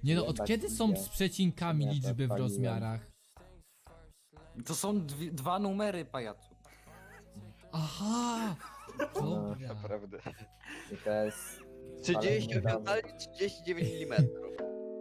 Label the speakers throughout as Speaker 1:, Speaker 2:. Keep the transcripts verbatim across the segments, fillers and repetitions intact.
Speaker 1: Nie no, od
Speaker 2: Jebać
Speaker 1: kiedy są
Speaker 2: idzie.
Speaker 1: z przecinkami
Speaker 2: Ja to
Speaker 1: liczby w
Speaker 2: odpaliłem.
Speaker 1: rozmiarach?
Speaker 3: To są dwie, dwa numery, pajacu.
Speaker 1: Aha! Dobra.
Speaker 4: Naprawdę.
Speaker 2: I to jest...
Speaker 4: trzydzieści
Speaker 2: Ale-
Speaker 4: ocali trzydzieści dziewięć milimetrów.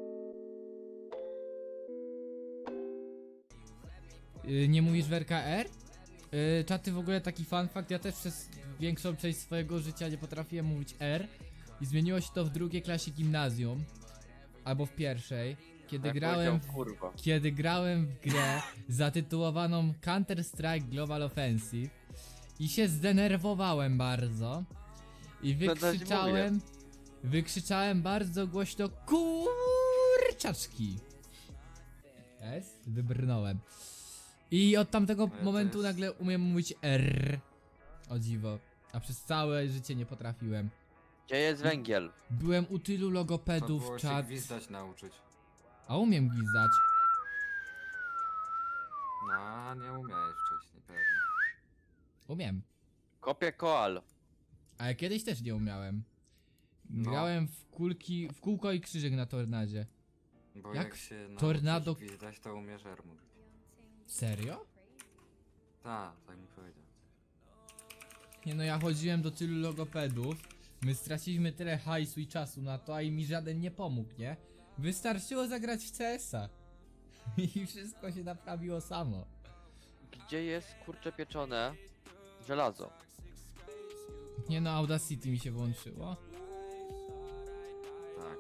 Speaker 1: Y, nie mówisz w R K R? Yy, czaty, w ogóle taki fun fact, ja też przez większą część swojego życia nie potrafiłem mówić R i zmieniło się to w drugiej klasie gimnazjum albo w pierwszej, kiedy
Speaker 4: Jak
Speaker 1: grałem
Speaker 4: powiedział,
Speaker 1: w,
Speaker 4: kurwa.
Speaker 1: kiedy grałem w grę zatytułowaną Counter Strike Global Offensive i się zdenerwowałem bardzo i
Speaker 4: To też
Speaker 1: wykrzyczałem wykrzyczałem bardzo głośno kurczaczki. Jest? Wybrnąłem. I od tamtego
Speaker 3: No ja
Speaker 1: momentu
Speaker 3: też.
Speaker 1: nagle umiem mówić R. O dziwo. A przez całe życie nie potrafiłem.
Speaker 4: Gdzie jest węgiel?
Speaker 1: Byłem u tylu
Speaker 3: To
Speaker 1: logopedów,
Speaker 3: było się
Speaker 1: czat.
Speaker 3: gwizdać nauczyć.
Speaker 1: A umiem gwizdać.
Speaker 3: No, nie umiałeś wcześniej, pewnie.
Speaker 1: Umiem.
Speaker 4: Kopię koal.
Speaker 1: Ale kiedyś też nie umiałem.
Speaker 3: No.
Speaker 1: Grałem w kulki, w kółko i krzyżyk na tornadzie.
Speaker 3: Bo
Speaker 1: Jak
Speaker 3: jak, się nauczysz
Speaker 1: tornado-
Speaker 3: gwizdać, to umiesz R mówić.
Speaker 1: Serio?
Speaker 3: Tak, tak mi powiedział.
Speaker 1: Nie no, ja chodziłem do tylu logopedów. My straciliśmy tyle hajsu i czasu na to, a i mi żaden nie pomógł, nie? Wystarczyło zagrać w C S a. I wszystko się naprawiło samo.
Speaker 4: Gdzie jest kurcze pieczone? Żelazo.
Speaker 1: Nie no, Audacity mi się włączyło.
Speaker 3: Tak.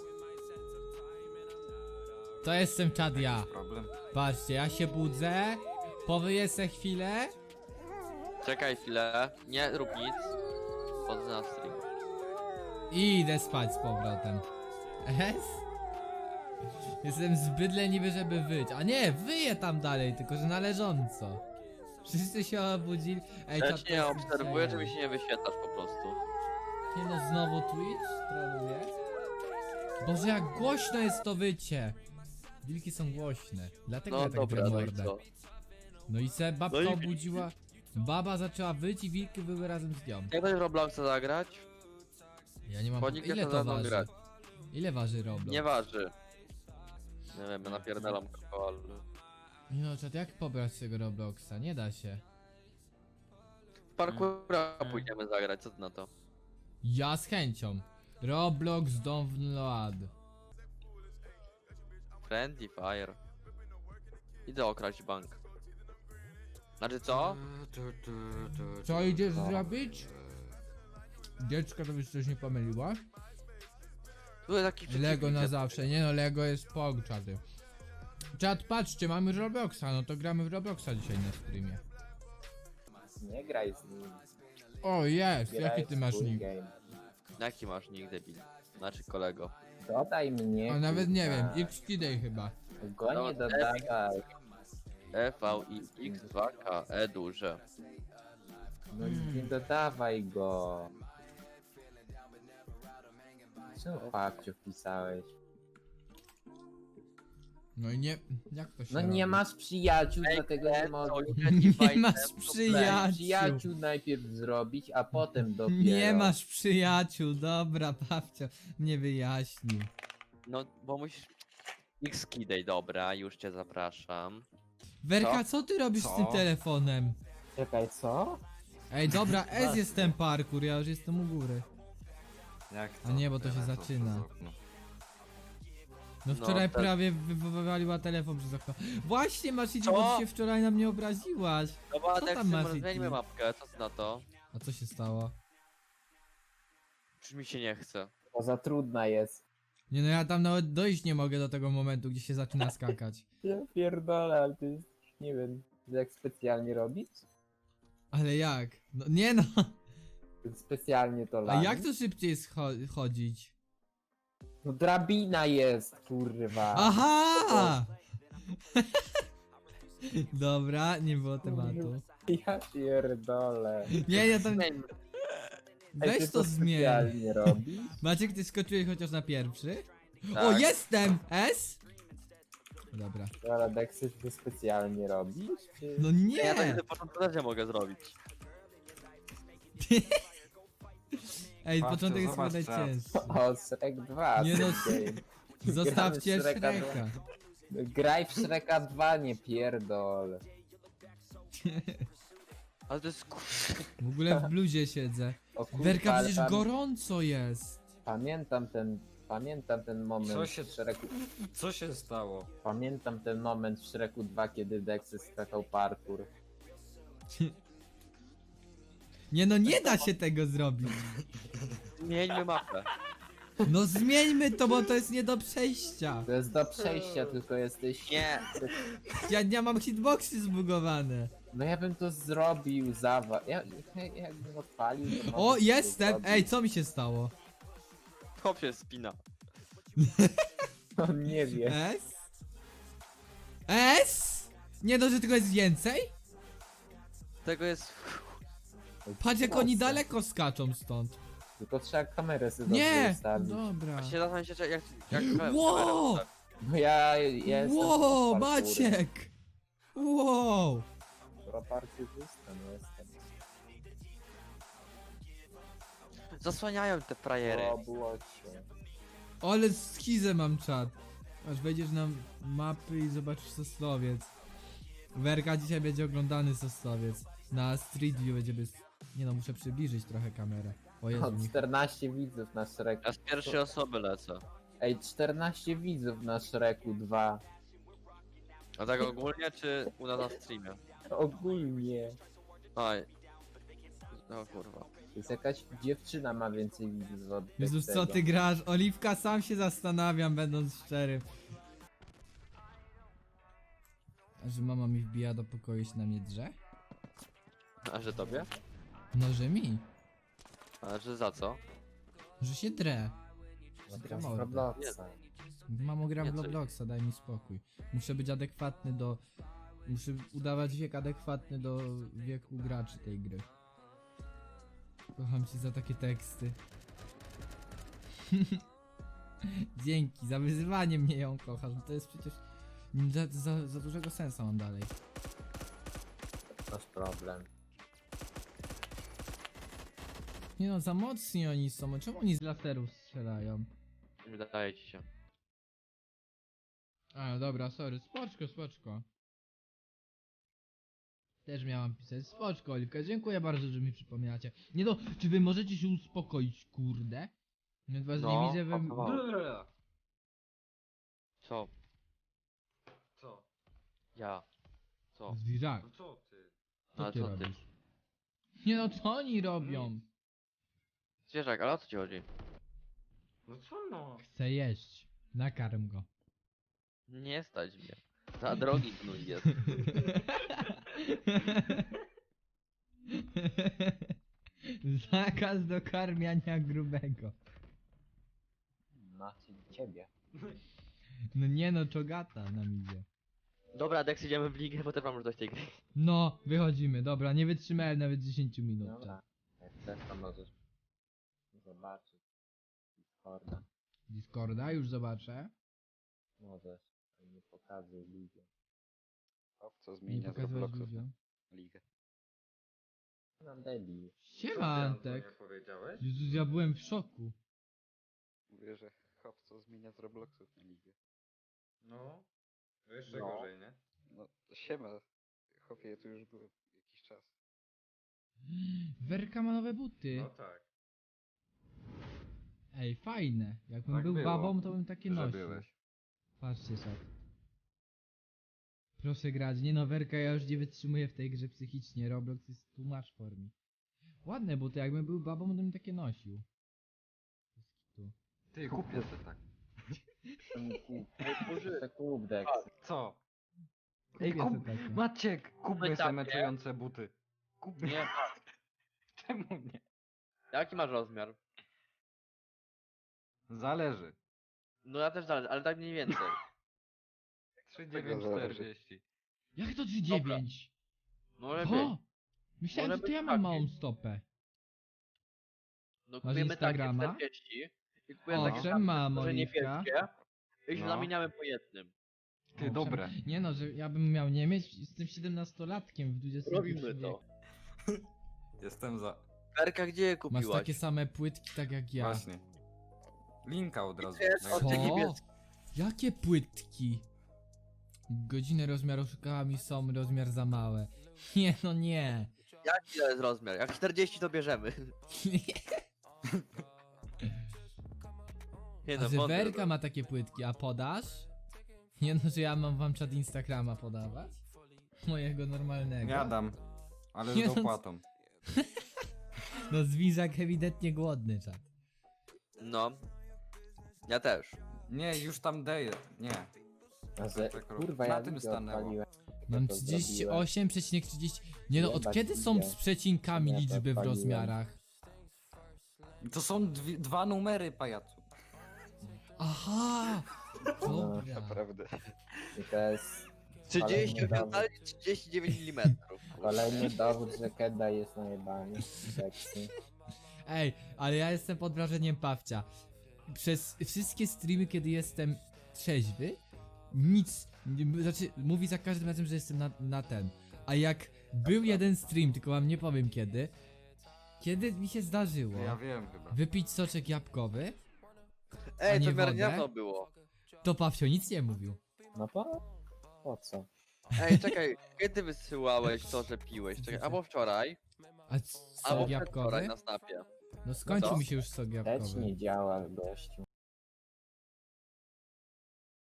Speaker 1: To jestem czad ja.
Speaker 3: Jest problem.
Speaker 1: Patrzcie, ja się budzę, powyję se chwilę.
Speaker 4: Czekaj chwilę. Nie rób nic. Chodzę na stream.
Speaker 1: I idę spać z powrotem. Es? Jestem zbyt leniwy, żeby wyć. A nie, wyję tam dalej, tylko że należąco. Wszyscy się obudzili. Ej,
Speaker 4: Ja
Speaker 1: czat,
Speaker 4: cię nie obserwuję, czy mi się nie wyświetlasz po prostu.
Speaker 1: Nie no, znowu Twitch troluje. Boże, jak głośno jest to wycie. Wilki są głośne, dlatego
Speaker 4: No
Speaker 1: ja tak
Speaker 4: dobra,
Speaker 1: drę
Speaker 4: no i
Speaker 1: mordę.
Speaker 4: co?
Speaker 1: No i se babka
Speaker 4: No i
Speaker 1: obudziła. Baba zaczęła wyć i wilki były razem z nią.
Speaker 4: Jak będziesz w Robloxa zagrać?
Speaker 1: Ja nie mam.
Speaker 4: Chodnik
Speaker 1: Ile
Speaker 4: jest
Speaker 1: to
Speaker 4: na mną
Speaker 1: waży?
Speaker 4: grać.
Speaker 1: Ile waży Roblox?
Speaker 4: Nie waży. Nie wiem, ja napierdalam koal.
Speaker 1: Nie no, czat, jak pobrać tego Robloxa? Nie da się.
Speaker 4: W parkoura pójdziemy zagrać, co ty na to?
Speaker 1: Ja z chęcią. Roblox download.
Speaker 4: Friendly Fire. Idę okraść bank. Znaczy co?
Speaker 3: Tu, tu, tu,
Speaker 1: Co
Speaker 3: tu,
Speaker 1: idziesz
Speaker 3: tu.
Speaker 1: zrobić? Dziecko, to byś coś nie pomyliła?
Speaker 4: Tu jest taki
Speaker 1: Lego na
Speaker 4: przeciwnik.
Speaker 1: zawsze. Nie no, Lego jest pog, czaty. Czat, patrzcie, mamy Robloxa, no to gramy w Robloxa dzisiaj na streamie.
Speaker 2: Nie graj z nim.
Speaker 1: O, jest!
Speaker 2: Graj
Speaker 1: Jaki
Speaker 2: w
Speaker 1: ty masz
Speaker 2: swój
Speaker 1: nick?
Speaker 2: game.
Speaker 4: Jaki masz nick, debil? Znaczy kolego.
Speaker 2: Dodaj mnie.
Speaker 1: O, nawet nie
Speaker 2: kurwa.
Speaker 1: wiem, X-Kidej chyba.
Speaker 2: Go nie
Speaker 4: No,
Speaker 2: dodawaj.
Speaker 4: E V I X dwa K E duże.
Speaker 2: No nie dodawaj go. Czemu babciu wpisałeś?
Speaker 1: No i nie... Jak to się
Speaker 2: No
Speaker 1: robi?
Speaker 2: nie masz przyjaciół,
Speaker 4: Ej,
Speaker 2: dlatego nie
Speaker 4: Ken,
Speaker 2: możesz.
Speaker 4: to
Speaker 1: Nie
Speaker 4: invite
Speaker 1: masz
Speaker 4: them to
Speaker 1: przyjaciół.
Speaker 2: Przyjaciół najpierw zrobić, a potem dopiero.
Speaker 1: Nie masz przyjaciół, dobra, babcia mnie wyjaśnił.
Speaker 4: play. No, bo musisz... X Kidej, dobra, już cię zapraszam.
Speaker 1: Werka, co ty robisz
Speaker 3: Co?
Speaker 1: z tym telefonem?
Speaker 2: Czekaj, co?
Speaker 1: Ej, dobra, S jest ten parkour, ja już jestem u góry.
Speaker 3: Jak
Speaker 1: A nie, bo to się
Speaker 3: Tyle,
Speaker 1: zaczyna.
Speaker 3: przez okno.
Speaker 1: No
Speaker 4: No,
Speaker 1: wczoraj
Speaker 4: tak.
Speaker 1: prawie wy- wy- wywaliła telefon przez okno. Właśnie, Masici,
Speaker 4: Co?
Speaker 1: bo ty się wczoraj na mnie obraziłaś.
Speaker 4: Dobra,
Speaker 1: Co
Speaker 4: tak
Speaker 1: tam masz,
Speaker 4: może zmienimy
Speaker 1: Iki?
Speaker 4: mapkę, co ty na to?
Speaker 1: A co się stało?
Speaker 4: Czy mi się nie chce?
Speaker 2: Bo za trudna jest.
Speaker 1: Nie no, ja tam nawet dojść nie mogę do tego momentu, gdzie się zaczyna skakać.
Speaker 2: Ja pierdolę, ale to jest, nie wiem, jak specjalnie robić?
Speaker 1: Ale jak? No nie no,
Speaker 2: Specjalnie to
Speaker 1: a
Speaker 2: lami.
Speaker 1: jak to szybciej scho- chodzić?
Speaker 2: No drabina jest, kurwa.
Speaker 1: Aha! Dobra, nie było tematu.
Speaker 2: Ja pierdolę.
Speaker 1: Nie, ja tam...
Speaker 4: Zmieńmy.
Speaker 2: Ej,
Speaker 1: Weź
Speaker 2: ty
Speaker 1: to zmień.
Speaker 2: specjalnie robisz?
Speaker 1: Maciek, ty skoczyłeś chociaż na pierwszy?
Speaker 4: Tak.
Speaker 1: O, jestem! S? Dobra.
Speaker 2: Ale tak chcesz to specjalnie robisz? Czy...
Speaker 1: No
Speaker 4: Ja tak
Speaker 1: nie!
Speaker 4: na początku też nie mogę zrobić.
Speaker 1: Ej,
Speaker 3: Patrzcie,
Speaker 1: początek jest chyba
Speaker 3: zobacz czat.
Speaker 1: najcięższy.
Speaker 2: O, Shrek dwa.
Speaker 1: Nie no,
Speaker 2: Shrek game.
Speaker 1: Zostawcie
Speaker 2: Gramy w Shreka
Speaker 1: Shreka.
Speaker 2: Graj w Shreka dwa, nie pierdol.
Speaker 4: Ale to jest kur...
Speaker 1: W ogóle w bluzie siedzę.
Speaker 2: O kurwa,
Speaker 1: Werka,
Speaker 2: ale
Speaker 1: przecież
Speaker 2: pam-
Speaker 1: gorąco jest.
Speaker 2: Pamiętam ten, pamiętam ten moment
Speaker 3: Co się-
Speaker 2: w Shreku,
Speaker 3: Co się stało?
Speaker 2: pamiętam ten moment w Shreku dwa, kiedy Dexy skakał parkour.
Speaker 1: Nie no, nie da się tego zrobić.
Speaker 4: Zmieńmy mapę.
Speaker 1: No zmieńmy to, bo to jest nie do przejścia.
Speaker 2: To jest do przejścia, tylko jesteś...
Speaker 4: Nie.
Speaker 1: Ja nie mam hitboxy zbugowane.
Speaker 2: No ja bym to zrobił, zawa... Ja, ja, jakbym odpalił, to
Speaker 1: O,
Speaker 2: może bym to
Speaker 1: jestem!
Speaker 2: zrobił.
Speaker 1: Ej, co mi się stało?
Speaker 4: Chłop się spina.
Speaker 2: On nie wie.
Speaker 1: S? S? Nie no, że tego jest więcej?
Speaker 4: Tego jest...
Speaker 1: Patrz jak oni daleko skaczą stąd.
Speaker 2: Tylko trzeba kamerę sobie dobrze
Speaker 1: Nie!
Speaker 2: ustawić.
Speaker 1: Dobra.
Speaker 4: Właśnie zastanawiam się, jak... jak kamerę
Speaker 1: Wow!
Speaker 4: ustawić.
Speaker 2: No ja, ja jestem
Speaker 1: Wow,
Speaker 2: pro parkourem.
Speaker 1: Maciek! Wow!
Speaker 2: Pro parkourzysta, no jestem.
Speaker 4: Zasłaniają te frajery.
Speaker 2: O, było cię.
Speaker 1: Ale schizę mam czat. Aż wejdziesz na mapy i zobaczysz Sosnowiec. Werka dzisiaj będzie oglądany Sosnowiec. Na Street View będzie bez... Nie no, muszę przybliżyć trochę kamerę. O Jezu,
Speaker 2: O,
Speaker 1: nie...
Speaker 2: czternaście widzów na Shreku.
Speaker 4: Ja z pierwszej osoby lecę.
Speaker 2: Ej, czternaście widzów na Shreku dwa.
Speaker 4: A tak ogólnie, czy u nas na streamie?
Speaker 2: Ogólnie.
Speaker 4: Oj. No kurwa.
Speaker 2: To jest jakaś dziewczyna ma więcej widzów od
Speaker 1: Jezus, co
Speaker 2: tego.
Speaker 1: ty grasz? Oliwka, sam się zastanawiam, będąc szczerym. A że mama mi wbija do pokoju i się na mnie drze?
Speaker 4: A że tobie?
Speaker 1: No, że mi.
Speaker 4: A że za co?
Speaker 1: Że się drę.
Speaker 2: No,
Speaker 1: Taka
Speaker 2: teraz
Speaker 1: morda.
Speaker 2: Robloxa.
Speaker 1: Mamo, gram
Speaker 4: Nie,
Speaker 1: w
Speaker 4: co-
Speaker 1: Robloxa, daj mi spokój. Muszę być adekwatny do... Muszę udawać wiek adekwatny do wieku graczy tej gry. Kocham cię za takie teksty. Dzięki, za wyzywanie mnie ją kochasz. No to jest przecież... Za, za, za dużego sensu mam dalej.
Speaker 2: Masz problem.
Speaker 1: Nie no, za mocni oni są. Czemu oni z laserów strzelają?
Speaker 4: Wydaje ci się.
Speaker 1: A, dobra, sorry. Spoczko, spoczko. Też miałam pisać. Spoczko, Oliwka. Dziękuję bardzo, że mi przypominacie. Nie no, czy wy możecie się uspokoić, kurde? Ja was
Speaker 4: No,
Speaker 1: nie widzę, wy...
Speaker 4: pasowało. Co?
Speaker 3: Co?
Speaker 4: Ja. Co?
Speaker 1: Zwierzak,
Speaker 3: No co ty?
Speaker 1: co
Speaker 4: A
Speaker 1: ty
Speaker 4: co ty?
Speaker 1: robisz? Nie no, co oni robią?
Speaker 4: Zwierzak, ale o co ci chodzi?
Speaker 3: No co no?
Speaker 1: Chcę jeść. Nakarm go.
Speaker 4: Nie stać mnie. Za drogi gnój jest.
Speaker 1: Zakaz dokarmiania grubego.
Speaker 2: Macie ciebie.
Speaker 1: No nie no, czogata nam idzie.
Speaker 4: Dobra, Dex, idziemy w ligę, bo też mam już dość tej gry.
Speaker 1: No, wychodzimy, dobra, nie wytrzymałem nawet dziesięć minut.
Speaker 2: Dobra. Jak chcesz, to możesz zobaczyć. Discorda.
Speaker 1: Discorda, już zobaczę.
Speaker 2: Możesz. Nie pokazuj ludziom.
Speaker 5: Co
Speaker 1: Nie
Speaker 5: zmienia z
Speaker 1: pokazywać
Speaker 5: Robloxów
Speaker 1: ludziom.
Speaker 5: na ligę.
Speaker 2: No debil.
Speaker 1: Siema Antek.
Speaker 3: Nie powiedziałeś?
Speaker 1: Jezus, ja byłem w szoku.
Speaker 5: Mówię, że hop, co zmienia z Robloxów na ligę.
Speaker 3: No. Jeszcze
Speaker 4: No.
Speaker 3: gorzej, nie?
Speaker 5: No, siema. Hopie, ja tu już byłem jakiś czas.
Speaker 1: Werka ma nowe buty.
Speaker 3: No tak.
Speaker 1: Ej, fajne. Jakbym
Speaker 3: Tak
Speaker 1: był
Speaker 3: było,
Speaker 1: babą, to bym takie
Speaker 3: Że
Speaker 1: nosił.
Speaker 3: byłeś.
Speaker 1: Patrzcie sobie. Proszę grać. Nie no, Werka, ja już nie wytrzymuję w tej grze psychicznie. Roblox jest too much for me. Ładne buty, jakbym był babą, to bym takie nosił. Bez kitu.
Speaker 3: Ty, kupię se tak.
Speaker 2: To kup Dex.
Speaker 3: Co?
Speaker 1: Kupię
Speaker 3: Ej,
Speaker 1: sobie
Speaker 3: kup...
Speaker 1: takie.
Speaker 3: Maciek, kupmy
Speaker 4: takie.
Speaker 3: se meczujące buty. Kup...
Speaker 4: Nie.
Speaker 3: Czemu nie?
Speaker 4: Jaki masz rozmiar?
Speaker 3: Zależy.
Speaker 4: No ja też zależy, ale tak mniej więcej.
Speaker 3: trzy dziewięć czterdzieści.
Speaker 1: Jak to trzy dziewięć?
Speaker 4: No lepiej.
Speaker 1: O! Myślałem,
Speaker 4: Może
Speaker 1: że to ja
Speaker 4: być
Speaker 1: mam
Speaker 4: taki.
Speaker 1: małą stopę.
Speaker 4: No kupujemy takie
Speaker 1: Instagrama?
Speaker 4: czterdzieści i kupujemy takie
Speaker 1: Owszem,
Speaker 4: szafy,
Speaker 1: mam,
Speaker 4: może
Speaker 1: Oliwka.
Speaker 4: niebieskie i się
Speaker 3: No.
Speaker 4: zamieniamy po jednym.
Speaker 3: Ty,
Speaker 1: Owszem.
Speaker 3: dobre.
Speaker 1: Nie no, że ja bym miał nie mieć, jestem siedemnastolatkiem w dwudziestym
Speaker 4: Robimy
Speaker 1: pierwszym
Speaker 4: to.
Speaker 1: wieku.
Speaker 3: Jestem za...
Speaker 4: Berka, gdzie je
Speaker 1: Masz
Speaker 4: kupiłaś?
Speaker 1: takie same płytki tak jak ja.
Speaker 3: Właśnie. Linka od razu.
Speaker 4: Jest
Speaker 3: Na-
Speaker 4: od tej
Speaker 1: Co?
Speaker 4: niebies-
Speaker 1: Jakie płytki? Godziny rozmiaru szukałam i są rozmiar za małe. Nie, no nie.
Speaker 4: Jaki to jest rozmiar? Jak czterdzieści to bierzemy. Nie
Speaker 1: A
Speaker 4: no,
Speaker 1: że
Speaker 4: wątpię,
Speaker 1: Werka ma takie płytki, a podasz? Nie no, że ja mam wam czat Instagrama podawać? Mojego normalnego.
Speaker 3: Ja dam. Ale
Speaker 1: Nie
Speaker 3: z
Speaker 1: no,
Speaker 3: dopłatą.
Speaker 1: No Zwizak ewidentnie głodny czat.
Speaker 4: No. Ja też.
Speaker 3: Nie, już tam daję. Nie.
Speaker 2: A że,
Speaker 3: Tak,
Speaker 2: kurwa,
Speaker 3: na
Speaker 2: ja
Speaker 3: tym
Speaker 2: widzę
Speaker 3: stanęło.
Speaker 2: odpaliłem.
Speaker 1: Mam
Speaker 2: to
Speaker 1: trzydzieści
Speaker 2: zrobiłem.
Speaker 1: osiem przecinek trzydzieści. Nie no, od
Speaker 2: Jebać
Speaker 1: kiedy są
Speaker 2: idzie.
Speaker 1: z przecinkami
Speaker 2: Ja to
Speaker 1: liczby w
Speaker 2: odpaliłem.
Speaker 1: rozmiarach?
Speaker 3: To są dwie, dwa numery, pajacu.
Speaker 1: Aha! Dobra.
Speaker 5: Naprawdę.
Speaker 2: I to jest
Speaker 4: trzydzieści,
Speaker 2: Kolejny dowód.
Speaker 4: oficjalnie trzydzieści dziewięć milimetrów.
Speaker 2: kolejny dowód, że Keda jest najebany. Seksy.
Speaker 1: Ej, ale ja jestem pod wrażeniem Pawcia. Przez wszystkie streamy, kiedy jestem trzeźwy, nic, nie- znaczy mówi za każdym razem, że jestem na, na ten. A jak był jeden stream, tylko wam nie powiem kiedy, kiedy mi się zdarzyło
Speaker 3: Ja wiem chyba.
Speaker 1: wypić soczek jabłkowy,
Speaker 4: Ej,
Speaker 1: nie
Speaker 4: to w miarę
Speaker 1: wodę?
Speaker 4: niedawno było.
Speaker 1: to Pawcio nic nie mówił.
Speaker 2: No po? Po co?
Speaker 4: Ej, czekaj, kiedy wysyłałeś to, że piłeś? Czekaj, albo wczoraj,
Speaker 1: A c-
Speaker 4: albo
Speaker 1: sok
Speaker 4: przedwczoraj
Speaker 1: jabłkowy?
Speaker 4: na snapie.
Speaker 1: No skończył
Speaker 4: co?
Speaker 1: mi się już sok
Speaker 2: Też
Speaker 1: jabłkowy.
Speaker 2: nie działa, gościu.